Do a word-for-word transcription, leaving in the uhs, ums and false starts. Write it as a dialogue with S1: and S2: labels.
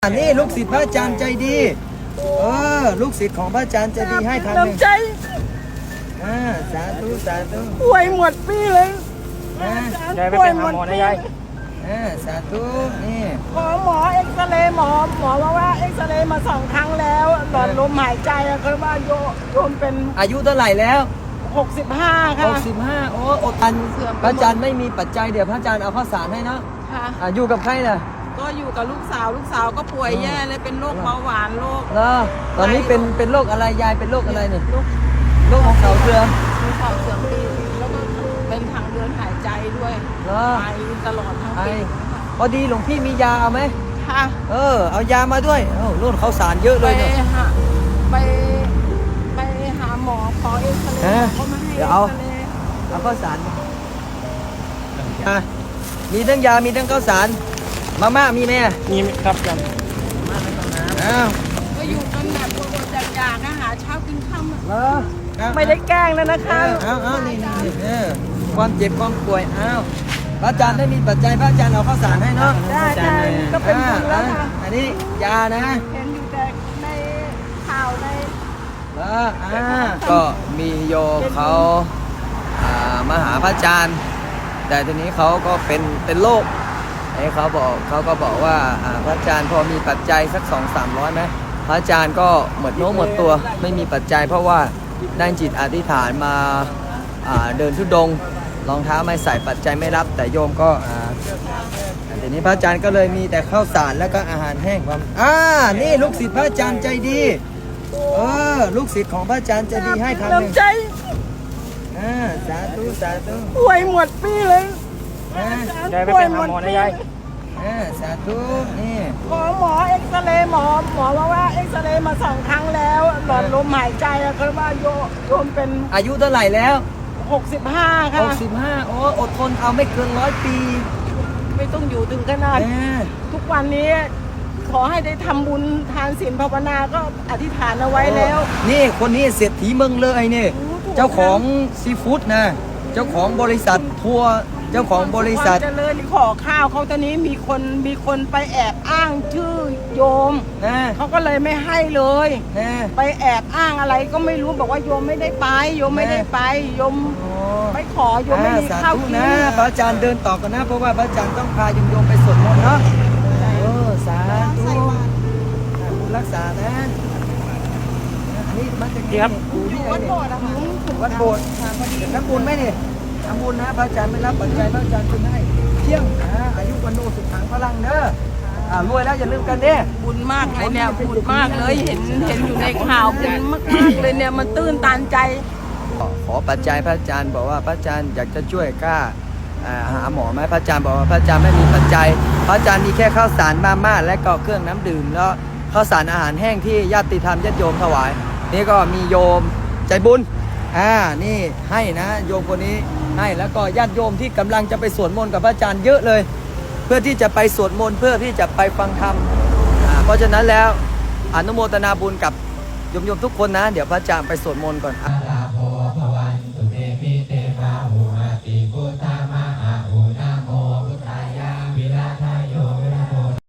S1: นี่ลูกศิษย์พระอาจารย์ใจดีเออลูกศิษย์ของพระอาจารย์ใจดีให้พันหนึ่ง
S2: น้ำใจ
S1: อ่าสาธุสาธุ
S2: ป่วยหมดปีเลย
S1: อ่าย
S3: ายไปเป็นหาหมอนะยาย
S1: อ่าสาธุนี่
S2: ขอหมอเอ็กซเรย์หมอหมอบอกว่าเอ็กซเรย์มาสองครั้งแล้วหลอดลมหายใจอะคือว่าโยโยมเป็น
S1: อายุเท่าไหร่แล้ว
S2: หกสิบห้า
S1: ห
S2: ค่ะ
S1: กสิบห้าโอ้อดทันพระอาจารย์ไม่มีปัจจัยเดี๋ยวพระอาจารย์เอาข้าวสารให้เนาะ
S2: ค่ะ
S1: อ่าอยู่กับใครล่ะ
S2: ก็อยู่กับลูกสาวลูกสาวก็ป่วยแย่เลยเป็นโรคเบาหวานโรค
S1: แล้วตอนนี้เป็นเป็นโรคอะไรยายเป็นโรคอะไรเนี่ย
S2: โรค
S1: โรคของเขาเสื่อม
S2: มีขอบเสื่อมปีแล้วก็เป็นทางเดินหายใจด้วย
S1: แล้ว
S2: ไอตลอดทั้ง
S1: ไอ
S2: ปี
S1: พอดีหลวงพี่มียาเอาไหม
S2: ค่ะ
S1: เออเอายามาด้วยเอ้ารุ่นข้าวสารเยอะ
S2: ไป
S1: เลยเนี่ย
S2: หาไปไปหาหมอขอเอ็กซเรย์
S1: ฮะ
S2: เขามาให้
S1: เดี๋
S2: เอ็
S1: ยว
S2: ก
S1: เอา
S2: ซเรย์
S1: เอาข้าวสารอ่ะมีทั้งยา มีทั้งข้าวสาร มาม่ามีไหมอ่ะ
S3: นี่ครับยัง
S1: อ้าว
S2: ก็อยู่กันแบบอดๆอยากๆนะหาเช้ากินค่ำอะ
S1: เหรอเอา
S2: ไม่ได้แกล้งแล้วนะ
S1: เอ
S2: คะ
S1: อเอาเอานี่นี่นี่เออความเจ็บความป่วยอ้าวพระอาจารย์ได้มีปัจจัยพระอาจารย์เอาข้าวสารให้เนาะ
S2: ได้ได้ก็เป็นบุญแล้วค่ะ
S1: อ่าอันนี้ยานะ
S2: เห็นอยู่แต่ในข่าวใน
S1: แล้วอ่าก็มีโยมเขาอ่ามาหาพระอาจารย์ แต่ทีนี้เขาก็เป็นเป็นโรคไอ้เขาบอกเขาก็บอกว่าอ่าพระอาจารย์พอมีปัจจัยสักสองสามร้อยไหมพระอาจารย์ก็หมดโน้มหมดตัวไม่มีปัจจัย เพราะว่าได้จิตอธิษฐานมาอ่าเดินทุดงค์รองเท้าไม่ใส่ปัจจัยไม่รับ แต่โยมก็อ่าทีนี้พระอาจารย์ก็เลยมีแต่ข้าวสารแล้วก็อาหารแห้งความอ่านี่ลูกศิษย์พระอาจารย์ใจดีเออลูกศิษย์ของพระอาจารย์ใจดีให้พันหนึ่ง
S2: น้ำใจ
S1: อ่าสาธุสาธุ
S2: ป่วยหมดปีเลย
S1: อ่าย
S3: ายไปเป็นหาหมอนะยาย
S1: อ่าสาธุนี่
S2: ขอหมอเอ็กซเรย์หมอหมอบอกว่าเอ็กซเรย์มาสองครั้งแล้วหลอดลมหายใจอะคือว่าโยโยมเป็น
S1: อายุเท่าไหร่แล้ว
S2: หกสิบห้าค่ะ
S1: หกสิบห้าโอ้อดทนเอาไม่เกินร้อยปี
S2: ไม่ต้องอยู่ถึงขนาด
S1: อ่า
S2: ทุกวันนี้ขอให้ได้ทำบุญทานศีลภาวนาก็อธิษฐานเอาไว้แล้ว
S1: นี่คนนี้เศรษฐีเมืองเลยนี่
S2: โอ้ถูก
S1: เจ้าของซีฟู้ดนะเจ้าของบริษัททัวร์เจ้าของบริษัท
S2: ความเจริญขอข้าวเขาตอนนี้มีคนมีคนไปแอบอ้างชื่อโยม
S1: นะ
S2: เขาก็เลยไม่ให้เลย
S1: นะ
S2: ไปแอบอ้างอะไรก็ไม่รู้บอกว่าโยมไม่ได้ไปโยมไม่ได้ไปโยม
S1: โอ้
S2: ไม่ขอโยมไม่มี
S1: สา
S2: ข้าว
S1: ธุ
S2: กิน
S1: นะพระอาจารย์เดินต่อกันนะ เพราะว่าพระอาจารย์ต้องพาโยมโยมไปสวดมนต์เนาะเออสาธุบุญรักษานะอันนี้มาจากไหน
S3: ครับ
S1: อยู่ที่ไหน
S2: วัด
S1: เนี่ย
S2: โบสถ์อะค่ะ
S1: วัดโบสถ์ทำบุญไหมเนี่ยทำบุญนะพระอาจารย์ไม่รับปัจจัยพระอาจารย์คุณให้เที่ยงอ่าอายุวันโนสุขังพลังเด้ออ่ารวยแล้วอย่าลืมกันเด้
S2: บุญมากเลยเนี่ยบุญมากเลยเห็นเห็นอยู่ในข่าวบุญมากๆเลยเนี่ยมันตื้นตันใจ
S1: ขอปัจจัยพระอาจารย์บอกว่าพระอาจารย์อยากจะช่วยกล้าอ่าหาหมอไหมพระอาจารย์บอกว่าพระอาจารย์ไม่มีปัจจัยพระอาจารย์มีแค่ข้าวสารมาม่าและก็เครื่องน้ำดื่มแล้วข้าวสารอาหารแห้งที่ญาติธรรมญาติโยมถวายนี่ก็มีโยมใจบุญอ่านี่ให้นะโยมคนนี้ให้แล้วก็ญาติโยมที่กำลังจะไปสวดมนต์กับพระอาจารย์เยอะเลย เพื่อที่จะไปสวดมนต์เพื่อที่จะไปฟังธรรมอ่าเพราะฉะนั้นแล้วอนุโมทนาบุญกับโยมๆทุกคนนะเดี๋ยวพระอาจารย์ไปสวดมนต์ก่อน